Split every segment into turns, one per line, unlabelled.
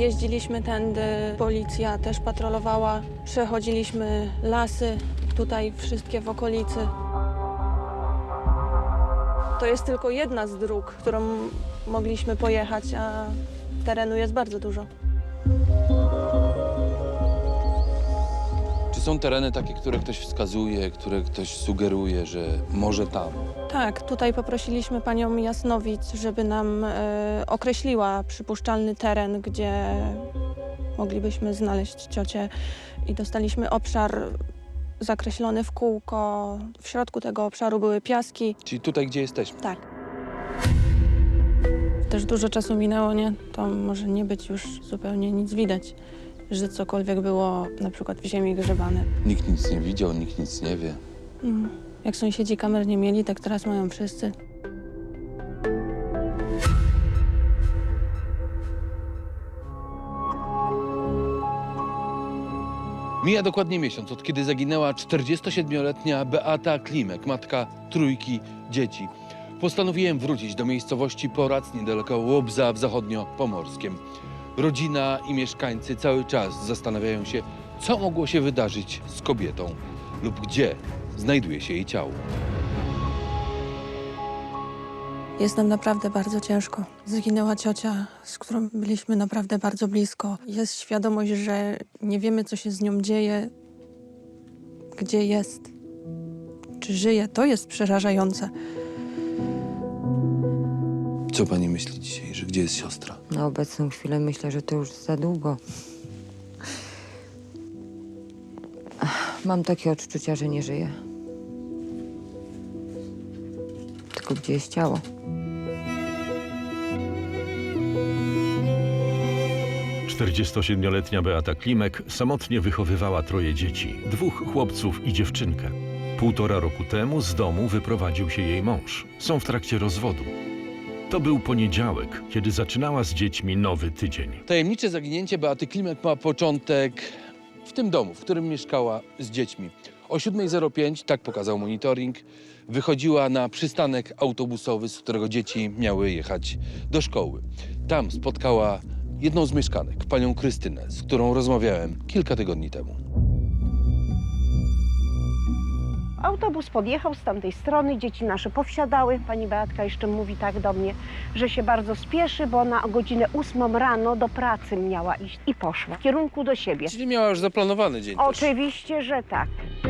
Jeździliśmy tędy, policja też patrolowała, przechodziliśmy lasy, tutaj wszystkie w okolicy. To jest tylko jedna z dróg, którą mogliśmy pojechać, a terenu jest bardzo dużo.
Czy są tereny takie, które ktoś wskazuje, które ktoś sugeruje, że może tam?
Tak, tutaj poprosiliśmy panią Jasnowic, żeby nam określiła przypuszczalny teren, gdzie moglibyśmy znaleźć ciocię i dostaliśmy obszar zakreślony w kółko. W środku tego obszaru były piaski.
Czyli tutaj, gdzie jesteśmy?
Tak. Też dużo czasu minęło, nie? To może nie być już zupełnie nic widać, że cokolwiek było na przykład w ziemi grzebane.
Nikt nic nie widział, nikt nic nie wie.
Jak sąsiedzi kamer nie mieli, tak teraz mają wszyscy.
Mija dokładnie miesiąc, od kiedy zaginęła 47-letnia Beata Klimek, matka trójki dzieci. Postanowiłem wrócić do miejscowości Porac, niedaleko Łobza w zachodniopomorskiem. Rodzina i mieszkańcy cały czas zastanawiają się, co mogło się wydarzyć z kobietą lub gdzie znajduje się jej ciało.
Jest nam naprawdę bardzo ciężko. Zginęła ciocia, z którą byliśmy naprawdę bardzo blisko. Jest świadomość, że nie wiemy, co się z nią dzieje, gdzie jest, czy żyje. To jest przerażające.
Co pani myśli dzisiaj, że gdzie jest siostra?
Na obecną chwilę myślę, że to już za długo. Mam takie odczucia, że nie żyje. Tylko gdzie jest ciało?
Czterdziestosiedmioletnia Beata Klimek samotnie wychowywała troje dzieci, 2 chłopców i dziewczynkę. 1,5 roku temu z domu wyprowadził się jej mąż. Są w trakcie rozwodu. To był poniedziałek, kiedy zaczynała z dziećmi nowy tydzień.
Tajemnicze zaginięcie Beaty Klimek ma początek w tym domu, w którym mieszkała z dziećmi. O 7:05, tak pokazał monitoring, wychodziła na przystanek autobusowy, z którego dzieci miały jechać do szkoły. Tam spotkała jedną z mieszkanek, panią Krystynę, z którą rozmawiałem kilka tygodni temu.
Autobus podjechał z tamtej strony, dzieci nasze powsiadały. Pani Beatka jeszcze mówi tak do mnie, że się bardzo spieszy, bo ona o godzinę 8 rano do pracy miała iść i poszła w kierunku do siebie.
Czyli miała już zaplanowany dzień też.
Oczywiście, że tak.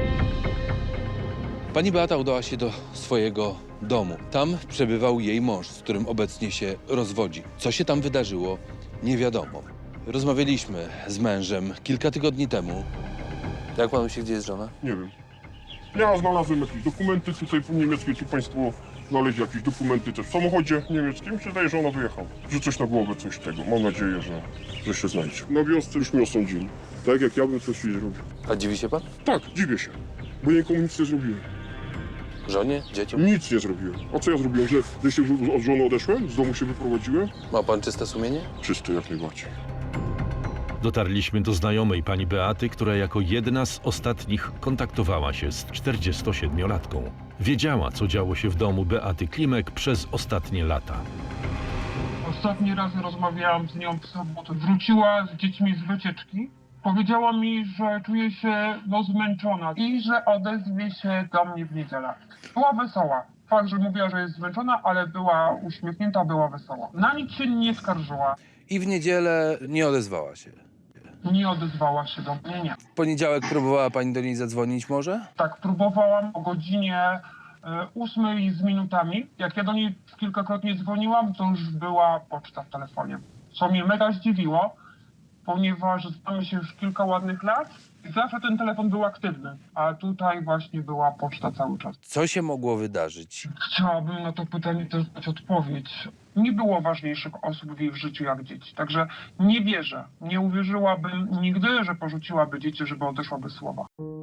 Pani Beata udała się do swojego domu. Tam przebywał jej mąż, z którym obecnie się rozwodzi. Co się tam wydarzyło, nie wiadomo. Rozmawialiśmy z mężem kilka tygodni temu. Jak panu się, gdzie jest żona?
Nie wiem. Ja znalazłem jakieś dokumenty tutaj po niemieckie, tu państwo znaleźli jakieś dokumenty też w samochodzie niemieckim. Mi się wydaje, że ona wyjechała. Że coś na głowę, coś tego. Mam nadzieję, że się znajdzie. Na wiosce już mnie osądzili. Tak jak ja bym coś jej zrobił.
A dziwi się pan?
Tak, dziwię się. Bo ja nikomu nic nie zrobiłem.
Żonie? Dzieciom?
Nic nie zrobiłem. A co ja zrobiłem? Że się od żony odeszłem? Z domu się wyprowadziłem?
Ma pan czyste sumienie?
Czysty jak najbardziej.
Dotarliśmy do znajomej pani Beaty, która jako jedna z ostatnich kontaktowała się z 47-latką. Wiedziała, co działo się w domu Beaty Klimek przez ostatnie lata.
Ostatni raz rozmawiałam z nią w sobotę. Wróciła z dziećmi z wycieczki. Powiedziała mi, że czuje się zmęczona i że odezwie się do mnie w niedzielę. Była wesoła. Fakt, że mówiła, że jest zmęczona, ale była uśmiechnięta, była wesoła. Na nic się nie skarżyła.
I w niedzielę nie odezwała się.
Nie odezwała się do mnie, nie.
W poniedziałek próbowała pani do niej zadzwonić może?
Tak, próbowałam o godzinie 8 z minutami. Jak ja do niej kilkakrotnie dzwoniłam, to już była poczta w telefonie. Co mnie mega zdziwiło, ponieważ znamy się już kilka ładnych lat i zawsze ten telefon był aktywny, a tutaj właśnie była poczta cały czas.
Co się mogło wydarzyć?
Chciałabym na to pytanie też dać odpowiedź. Nie było ważniejszych osób w jej życiu jak dzieci, także nie wierzę, nie uwierzyłabym nigdy, że porzuciłaby dzieci, żeby odeszła bez słowa.